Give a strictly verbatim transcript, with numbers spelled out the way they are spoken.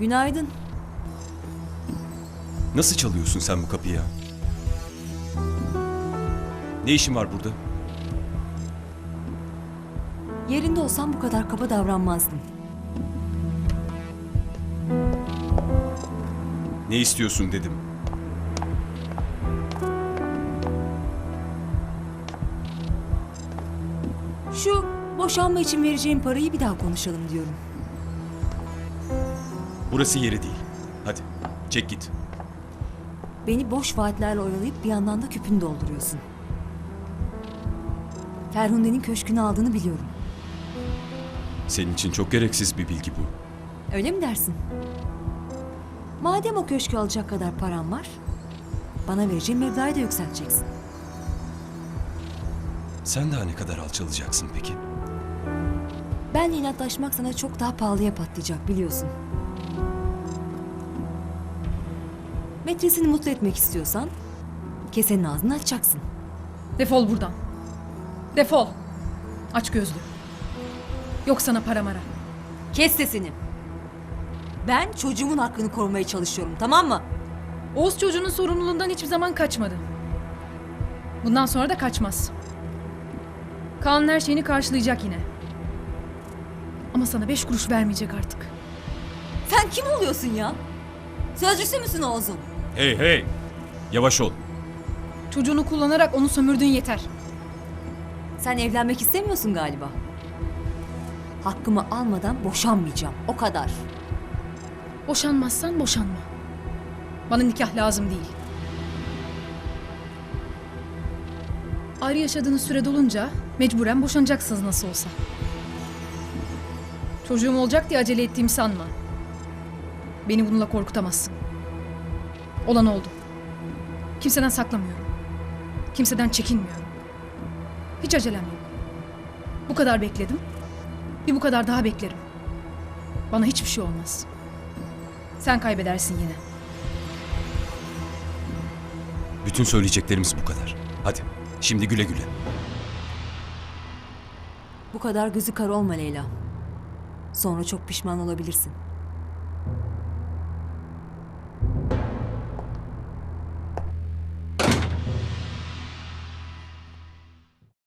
Günaydın. Nasıl çalıyorsun sen bu kapıyı ya? Ne işin var burada? Yerinde olsam bu kadar kaba davranmazdım. Ne istiyorsun dedim. Şu boşanma için vereceğim parayı bir daha konuşalım diyorum. Burası yeri değil. Hadi çek git. Beni boş vaatlerle oyalayıp bir yandan da küpünü dolduruyorsun. Ferhunde'nin köşkünü aldığını biliyorum. Senin için çok gereksiz bir bilgi bu. Öyle mi dersin? Madem o köşkü alacak kadar param var, bana vereceğin meblağı da yükselteceksin. Sen daha ne kadar alçalacaksın peki? Benle inatlaşmak sana çok daha pahalıya patlayacak biliyorsun. Metresini mutlu etmek istiyorsan kesenin ağzını açacaksın. Defol buradan. Defol. Aç gözlü. Yok sana para mara. Kes sesini. Ben çocuğumun hakkını korumaya çalışıyorum, tamam mı? Oğuz çocuğunun sorumluluğundan hiçbir zaman kaçmadı. Bundan sonra da kaçmaz. Kaan'ın her şeyini karşılayacak yine. Ama sana beş kuruş vermeyecek artık. Sen kim oluyorsun ya? Sözcüsü müsün Oğuz'un? Hey hey! Yavaş ol. Çocuğunu kullanarak onu sömürdüğün yeter. Sen evlenmek istemiyorsun galiba. Hakkımı almadan boşanmayacağım, o kadar. Boşanmazsan boşanma. Bana nikah lazım değil. Ayrı yaşadığınız süre dolunca mecburen boşanacaksınız nasıl olsa. Çocuğum olacak diye acele ettiğimi sanma. Beni bununla korkutamazsın. Olan oldu. Kimseden saklamıyorum. Kimseden çekinmiyorum. Hiç acelem yok. Bu kadar bekledim. Bir bu kadar daha beklerim. Bana hiçbir şey olmaz. Sen kaybedersin yine. Bütün söyleyeceklerimiz bu kadar. Hadi şimdi güle güle. Bu kadar gözü kara olma Leyla. Sonra çok pişman olabilirsin.